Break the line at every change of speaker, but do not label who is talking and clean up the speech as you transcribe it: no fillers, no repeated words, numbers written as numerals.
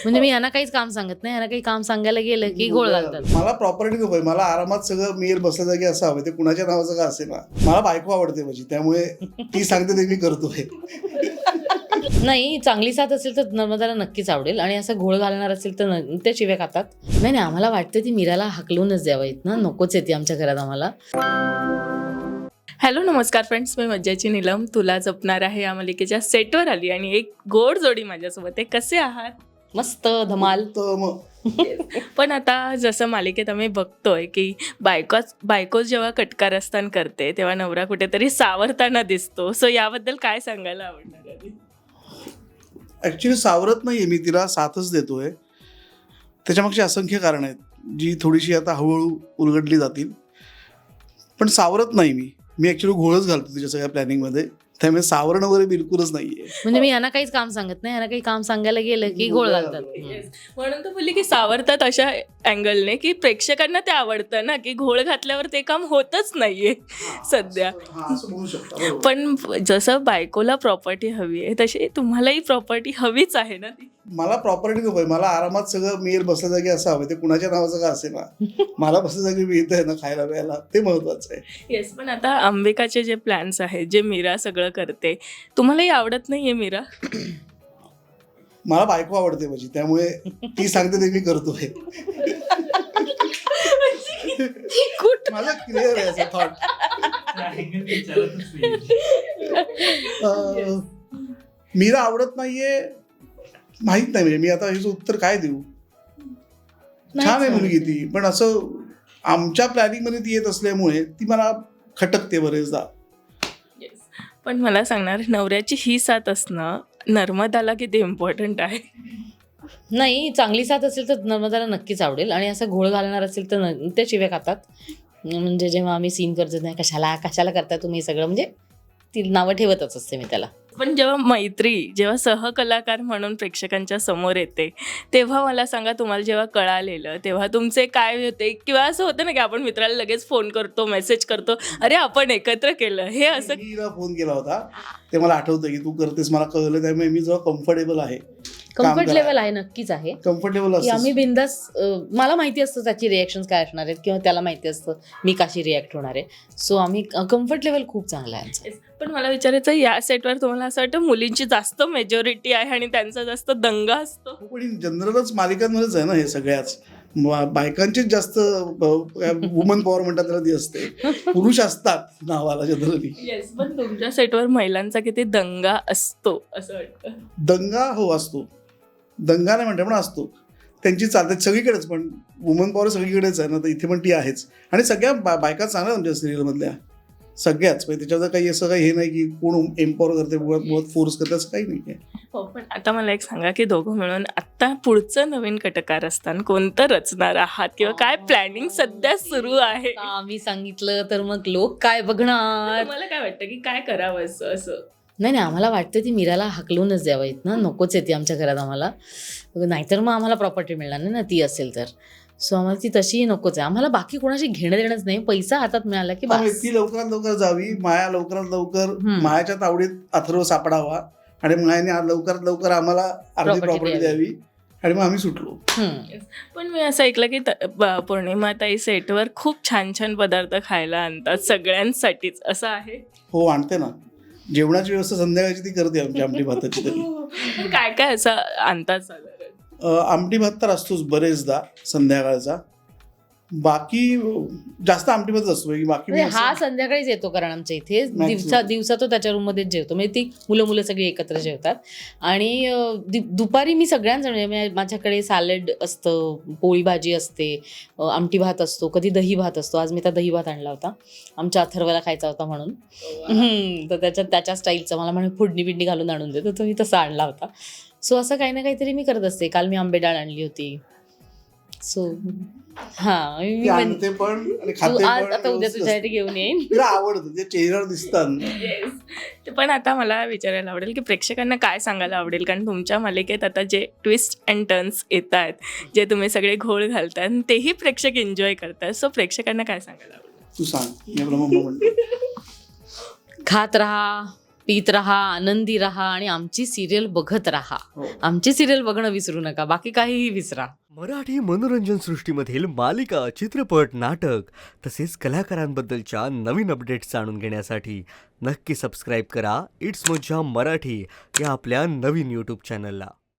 म्हणजे मी यांना काहीच काम सांगत नाही, यांना काही काम सांगायला गेलं की गोळ घालतात.
मला प्रॉपर्टी नकोय, मला आरामात सगळं मिळेल बसल्या जागी असं हवं. ते कुणाच्या नावाचं का असेल ना, मला बायको आवडते माझी, त्यामुळे ती सांगते ते मी करतोय.
नाही, चांगली साथ असेल तर नर्मदाला नक्कीच आवडेल, आणि असं घोळ घालणार असेल तर त्या शिव्या खातात. नाही, आम्हाला वाटतं ती मीराला हाकलूनच द्यावं इथनं, नकोच येते आमच्या घरात आम्हाला.
हॅलो नमस्कार फ्रेंड्स, मी मज्जाची नीलम तुला जपणार आहे या मालिकेच्या सेटवर आली आणि एक गोड जोडी माझ्यासोबत आहे. कसे आहात?
मस्त धमाल.
तर मग
पण आता जसं मालिकेत आम्ही बघतोय की बायको जेव्हा कटकारस्थान करते तेव्हा नवरा कुठेतरी सावरताना दिसतो. सो याबद्दल काय सांगायला आवडणार आहे?
ऍक्च्युली सावरत नाहीये मी, तिला साथच देतोय. त्याच्यामागची असंख्य कारण आहेत जी थोडीशी आता हळूहळू उलगडली जातील, पण सावरत नाही मी ऍक्च्युली घोळच घालतो तिच्या सगळ्या प्लॅनिंगमध्ये. त्यामुळे सावरण वगैरे बिलकुलच नाहीये.
म्हणजे मी यांना काहीच काम सांगत नाही, यांना काही काम सांगायला गेलं की गोळ घालतात.
म्हणून तर बोलली की सावरतात अशा अँगलने की प्रेक्षकांना ते आवडतं ना, की घोळ घातल्यावर ते काम होतच नाहीये सध्या.
असं म्हणू शकता, बरोबर.
पण जसं बायकोला प्रॉपर्टी हवी आहे तशी तुम्हालाही प्रॉपर्टी हवीच आहे ना. ती
मला प्रॉपर्टी नकोय, मला आरामात सगळं मिळेल बसल्या जागी असं हवं. ते कुणाच्या नावाचं का असेल ना, मला बसल्या जागी मिळतंय ना खायला प्यायला, ते महत्वाचं आहे.
येस, पण आता अंबिकाचे जे प्लॅन्स आहेत, जे मीरा सगळं करते, तुम्हालाही आवडत नाहीये मीरा?
मला बायको आवडते माझी, त्यामुळे ती सांगते ते मी करतोय. मला क्लिअर आहे असं थॉट. मीरा आवडत नाहीये माहित नाही, म्हणजे मी आता हिचं उत्तर काय देऊ. छान आहे मुलगी ती, पण असं आमच्या प्लॅनिंग मध्ये ती येत असल्यामुळे ती मला खटकते बरेचदा.
पण मला सांगणार, नवऱ्याची ही साथ असणं नर्मदाला किती इम्पॉर्टंट आहे?
नाही, चांगली साथ असेल तर नर्मदाला नक्कीच आवडेल, आणि असं घोळ घालणार असेल तर त्या शिव्या खातात. म्हणजे जेव्हा आम्ही सीन करतो नाही, कशाला करता तुम्ही सगळं, म्हणजे ती नावं ठेवतच असते मी त्याला.
पण जेव्हा मैत्री, जेव्हा सहकलाकार म्हणून प्रेक्षकांच्या समोर येते, तेव्हा मला सांगा, तुम्हाला जेव्हा कळालेलं तेव्हा तुमचे काय होते? किंवा असं होतं ना की आपण मित्राला लगेच फोन करतो, मेसेज करतो, अरे आपण एकत्र केलं हे असं?
मी हिला फोन केला होता, ते मला आठवतं की तू करतेस, मला कळलं. त्यामुळे मी जेव्हा कम्फर्टेबल आहे,
कम्फर्ट लेवल आहे, नक्कीच आहे.
कम्फर्टेबल
की आम्ही
असतं.
बिंदास, मला माहिती असतं त्याची रिॲक्शन काय असणार आहेत, किंवा त्याला माहिती असतं मी कशी रिॲक्ट होणार आहे. सो आम्ही कम्फर्ट लेवल खूप चांगला आहे आमचं.
पण मला विचारायचं, या सेटवर तुम्हाला असं वाटतं मुलींची जास्त मेजॉरिटी आहे आणि त्यांचा जास्त दंगा असतो?
पण जनरलच मालिकांमध्येच आहे ना हे सगळ्याच. बायकांचीच जास्त वुमन पॉवर म्हणतात त्याला ती असते. पुरुष असतात नावाला जनरली.
येस, पण तुमच्या सेटवर महिलांचा किती दंगा असतो असं वाटतं?
दंगा हो असतो, दंगा नाही म्हणते पण असतो. त्यांची चालते सगळीकडेच, पण वुमन पॉवर सगळीकडेच आहे ना, तर इथे पण ती आहेच. आणि सगळ्या बायका चांगल्या आमच्या सिरियलमधल्या सगळ्याच. म्हणजे त्याच्यावर काही असं काही हे नाही की कोण एम्पॉवर करते, मुळात फोर्स करते, असं काही नाही आहे.
हो, पण आता मला एक सांगा की दोघं मिळून आता पुढचं नवीन कटकारस्थान कोणतं रचणार आहात, किंवा काय प्लॅनिंग सध्या सुरू आहे?
आता आम्ही सांगितलं तर मग लोक काय बघणार.
मला काय वाटतं की काय करावं असं?
नाही, आम्हाला वाटतं ती मीराला हाकलूनच द्यावं इथनं, नकोच येते आमच्या घरात आम्हाला. नाहीतर मग आम्हाला प्रॉपर्टी मिळणार नाही ना ती असेल तर. सो आम्हाला ती तशीही नकोच आहे. आम्हाला बाकी कोणाशी घेणं देणंच नाही, पैसा हातात मिळाला की बस.
ती लवकरात लवकर जावी, माया लवकरात लवकर मायाच्या तावडीत अथर्व सापडावा, आणि मायाने लवकरात लवकर आम्हाला अर्धी प्रॉपर्टी द्यावी, आणि मग आम्ही सुटलो.
पण मी असं ऐकलं की पौर्णिमाताई सेटवर खूप छान छान पदार्थ खायला आणतात सगळ्यांसाठीच, असं आहे?
हो, आणते ना. जेवणाची व्यवस्था संध्याकाळची ती करते आमची, आमटी भाताची तरी.
पण काय काय असं आणतात साधारण?
आमटी भात तर असतोच बरेचदा संध्याकाळचा. बाकी जास्त आमटी भात असतो. बाकी
म्हणजे हा संध्याकाळीच येतो, कारण आमच्या इथे दिवसा तो त्याच्या रूममध्येच जेवतो. म्हणजे ती मुलं सगळी एकत्र जेवतात. आणि दुपारी मी सगळ्यांजण, माझ्याकडे सॅलड असतं, पोळी भाजी असते, आमटी भात असतो, कधी दही भात असतो. आज मी त्या दही भात आणला होता, आमच्या अथर्वला खायचा होता म्हणून. तर त्याच्या स्टाईलचं मला म्हणे फोडणी बिडणी घालून आणून देतो, तर मी तसा आणला होता. सो असं काही ना काहीतरी मी करत असते. काल मी आंबे डाळ आणली होती. सो
आणते पण आणि खाते पण.
आता उद्या तुझ्यासाठी घेऊन येईन.
तिला आवडतं, ते चेहऱ्यावर दिसतात.
पण आता मला विचारायला आवडेल की प्रेक्षकांना काय सांगायला आवडेल, कारण तुमच्या मालिकेत आता जे ट्विस्ट अँड टर्न्स येत आहेत, जे तुम्ही सगळे घोळ घालतात, तेही प्रेक्षक एन्जॉय करतात. सो प्रेक्षकांना काय सांगायला आवडेल?
तू सांग. मी ब्रह्म म्हणतो.
खात राहा, पीत राहा, आनंदी राहा आणि आमची सिरियल बघत राहा.
हो.
आमची सिरियल बघणं विसरू नका, बाकी काहीही विसरा.
मराठी मनोरंजन सृष्टीमधील मालिका, चित्रपट, नाटक तसेच कलाकारांबद्दलच्या नवीन अपडेट्स जाणून घेण्यासाठी नक्की सबस्क्राईब करा इट्स मज्जा मराठी या आपल्या नवीन यूट्यूब चॅनलला.